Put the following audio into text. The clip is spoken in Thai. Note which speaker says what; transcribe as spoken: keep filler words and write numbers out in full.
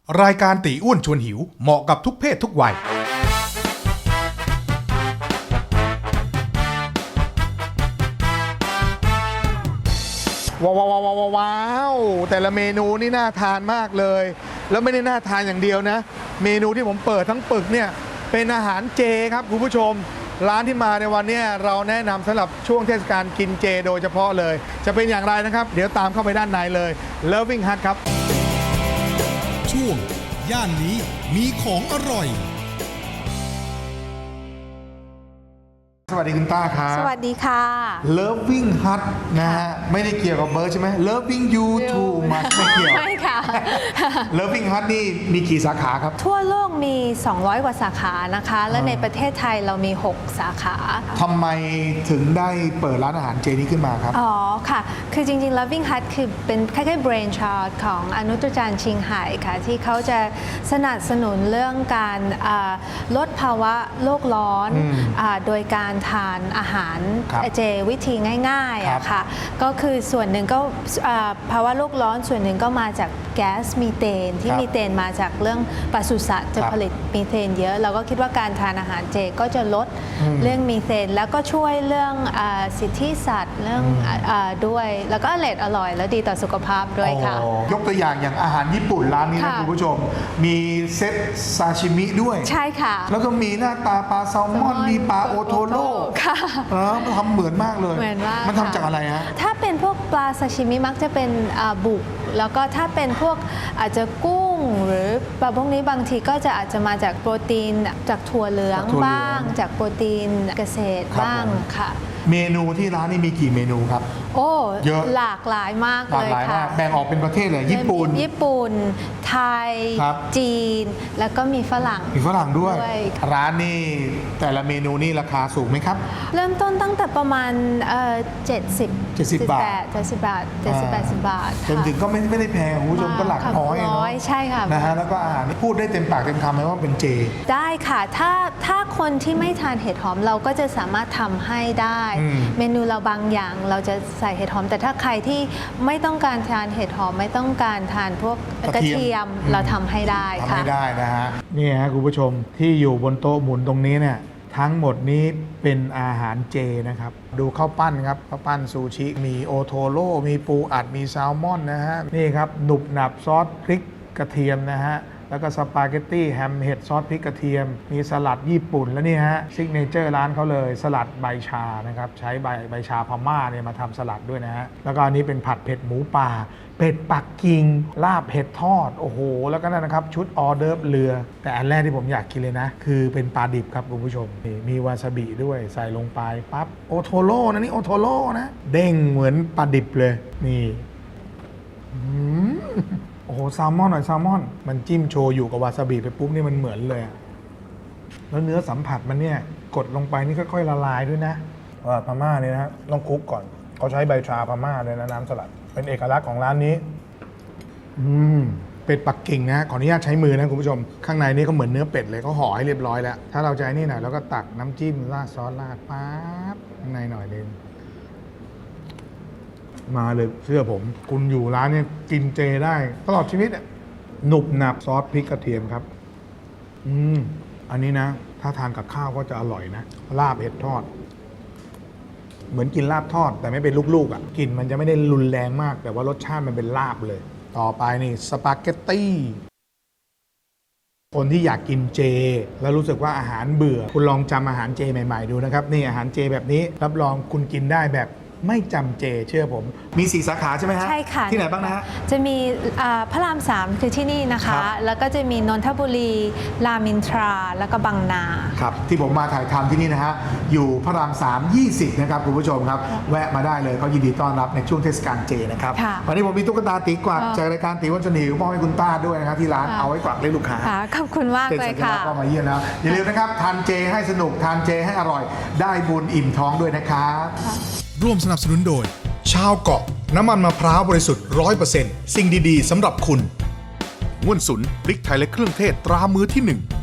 Speaker 1: รายการตีอ้วนชวนหิวเหมาะกับทุกเพศทุกวัยว้าวว้าวว้าวว้าวแต่ละเมนูนี่น่าทานมากเลยแล้วไม่ได้น่าทานอย่างเดียวนะเมนูที่ผมเปิดทั้งปึกเนี่ยเป็นอาหารเจครับคุณผู้ชมร้านที่มาในวันนี้เราแนะนำสำหรับช่วงเทศกาลกินเจโดยเฉพาะเลยจะเป็นอย่างไรนะครับเดี๋ยวตามเข้าไปด้านในเลย Loving Hut ครับ
Speaker 2: ช่วงย่านนี้มีของอร่อย
Speaker 1: สวัสดีคุณต้าครับ
Speaker 3: สวัสดีค่ะ
Speaker 1: Loving Hut นะฮะไม่ได้เกี่ยวกับเบิร์ดใช่ไหม Loving you too much ไม่เกี่ยว
Speaker 3: ไม่ค่ะ
Speaker 1: Loving Hut นี่มีกี่สาขาครับ
Speaker 3: ทั่วโลกมีสองร้อยกว่าสาขานะคะ และในประเทศไทยเรามีหกสาขา
Speaker 1: ทำไมถึงได้เปิดร้านอาหารเจนี้ขึ้นมาครับ
Speaker 3: อ๋อค่ะคือจริงๆ Loving Hut คือเป็นคล้ายๆ brain child ของอนุตจารย์ชิงไห่ค่ะที่เขาจะสนับสนุนเรื่องการลดภาวะโลกร้อนโดยการทานอาหารเจวิธีง่ายๆอะค่ะก็คือส่วนหนึ่งก็ภาวะโลกร้อนส่วนหนึ่งก็มาจากแก๊สมีเทนที่มีเทนมาจากเรื่องปศุสัตว์จะผลิตมีเทนเยอะเราก็คิดว่าการทานอาหารเจก็จะลดเรื่องมีเทนแล้วก็ช่วยเรื่องสิทธิสัตว์เรื่องด้วยแล้วก็อร่อยอร่อยและดีต่อสุขภาพด้วยค่ะ
Speaker 1: ยกตัวอย่างอย่างอาหารญี่ปุ่นร้านนี้นะคุณผู้ชมมีเซตซาชิมิด้วย
Speaker 3: ใช่ค่ะ
Speaker 1: แล้วก็มีหน้าตาปลาแซลมอนมีปลาโอโทโร่
Speaker 3: ค่ะ
Speaker 1: มันทำเหมือนมากเลย
Speaker 3: เหมือนมาก
Speaker 1: มันทำจากอะไรฮะ
Speaker 3: ถ้าเป็นพวกปลาซาชิมิมักจะเป็นบุกแล้วก็ถ้าเป็นพวกอาจจะกุ้งหรือปลาพวกนี้บางทีก็จะอาจจะมาจากโปรตีนจากถั่วเหลืองบ้างจากโปรตีนเกษตรบ้างค่ะ
Speaker 1: เมนูที่ร้านนี้มีกี่เมนูครับ
Speaker 3: โอ้เยอะหลากหลายมากเลยค่ะ
Speaker 1: แบ่งออกเป็นประเทศเลยญี่ปุ่น
Speaker 3: ญี่ปุ่นไทยจีนแล้วก็มีฝรั่ง
Speaker 1: มีฝรั่งด้วยร้านนี่แต่ละเมนูนี่ราคาสูงไหมครับ
Speaker 3: เริ่มต้นตั้งแต่ประมาณเจ็ดสิบ
Speaker 1: เจ็ดสิบบาท
Speaker 3: เจ็ดสิบบาทเจ็ดสิบแปดสิบบาท
Speaker 1: จนถึงก็ไม่ไม่ได้แพงคุณผู้ชมก็หลักร้อยเนาะ
Speaker 3: ใช่ค่ะ
Speaker 1: นะฮะแล้วก็อาหารพูดได้เต็มปากเต็มคำเลยว่าเป็นเจ
Speaker 3: ได้ค่ะถ้าถ้าคนที่ไม่ทานเห็ดหอมเราก็จะสามารถทำให้ได้เมนูเราบางอย่างเราจะใส่เห็ดหอมแต่ถ้าใครที่ไม่ต้องการทานเห็ดหอมไม่ต้องการทานพวกกระเทียมเราทำให้ได้ค่ะ
Speaker 1: ทำให้ได้นะฮะนี่ฮะคุณผู้ชมที่อยู่บนโต๊ะหมุนตรงนี้เนี่ยทั้งหมดนี้เป็นอาหารเจนะครับดูข้าวปั้นครับข้าวปั้นซูชิมีโอโทโร่มีปูอัดมีแซลมอนนะฮะนี่ครับหนุบหนับซอสพริกกระเทียมนะฮะแล้วก็สปาเกตตี้แฮมเห็ดซอสพริกกระเทียมมีสลัดญี่ปุ่นแล้วนี่ฮะซิกเนเจอร์ร้านเขาเลยสลัดใบชานะครับใช้ใบใบชาพม่าเนี่ยมาทำสลัดด้วยนะฮะแล้วก็อันนี้เป็นผัดเผ็ดหมูป่าเป็ดปักกิ่งลาบเผ็ดทอดโอ้โหแล้วก็นั่นนะครับชุดออเดิร์ฟเรือแต่อันแรกที่ผมอยากกินเลยนะคือเป็นปลาดิบครับคุณผู้ชมมีวาซาบิด้วยใส่ลงไปปั๊บโอโทโร่นะนี่โอโทโร่นะเด้งเหมือนปลาดิบเลยนี่โอ้โหแซลมอนหน่อยแซลมอนมันจิ้มโชยุกับวาซาบิไปปุ๊บนี่มันเหมือนเลยแล้วเนื้อสัมผัสมันเนี่ยกดลงไปนี่ค่อยๆละลายด้วยนะว่าพม่าเนี่ยนะต้องคลุกก่อนเขาใช้ใบชาพม่าเลยนะน้ำสลัดเป็นเอกลักษณ์ของร้านนี้อืมเป็ดปักกิ่งนะขออนุญาตใช้มือนะคุณผู้ชมข้างในนี่ก็เหมือนเนื้อเป็ดเลยเขาห่อให้เรียบร้อยแล้วถ้าเราจะนี่หน่อยแล้วก็ตักน้ำจิ้มราดซอสราดปั๊บข้างในหน่อยนึงมาเลยเชื่อผมคุณอยู่ร้านนี้กินเจได้ตลอดชีวิตอ่ะหนุบหนับซอสพริกกระเทียมครับอืมอันนี้นะถ้าทานกับข้าวก็จะอร่อยนะลาบเห็ดทอดเหมือนกินลาบทอดแต่ไม่เป็นลูกๆอ่ะกลิ่นมันจะไม่ได้รุนแรงมากแต่ว่ารสชาติมันเป็นลาบเลยต่อไปนี่สปาเกตตี้คนที่อยากกินเจแล้วรู้สึกว่าอาหารเบื่อคุณลองจำอาหารเจใหม่ๆดูนะครับนี่อาหารเจแบบนี้รับรองคุณกินได้แบบไม่จำเจเชื่อผมมีสี่สาขาใช่ไหมฮะ
Speaker 3: ใช่ค่ะ
Speaker 1: ที่ไหนบ้างนะฮะ
Speaker 3: จะมีพระรามสามคือที่นี่นะคะแล้วก็จะมีนนทบุรีรามอินทราแล้วก็บางนา
Speaker 1: ครับที่ผมมาถ่ายทำที่นี่นะฮะอยู่พระรามสาม ยี่สิบนะครับคุณผู้ชมครับแวะมาได้เลยเขายินดีต้อนรับในช่วงเทศกาลเจนะครับวันนี้ผมมีตุ๊กตาตีกวักจากรายการตีวันชนิวมอบให้คุณต้าด้วยนะครับที่ร้านเอาไว้กวักเล่นลูกค้า
Speaker 3: ขอบคุณมากเลยค่ะ
Speaker 1: ก็มาเยี่ยมนะอย่าลืมนะครับทานเจให้สนุกทานเจให้อร่อยได้บุญอิ่มท้องด้วยนะครับ
Speaker 2: ร่วมสนับสนุนโดย
Speaker 1: ชาวเกาะน้ำมันมะพร้าวบริสุทธิ์ ร้อยเปอร์เซ็นต์ สิ่งดีๆสำหรับคุณง่วนสุนพริกไทยและเครื่องเทศตรามือที่หนึ่ง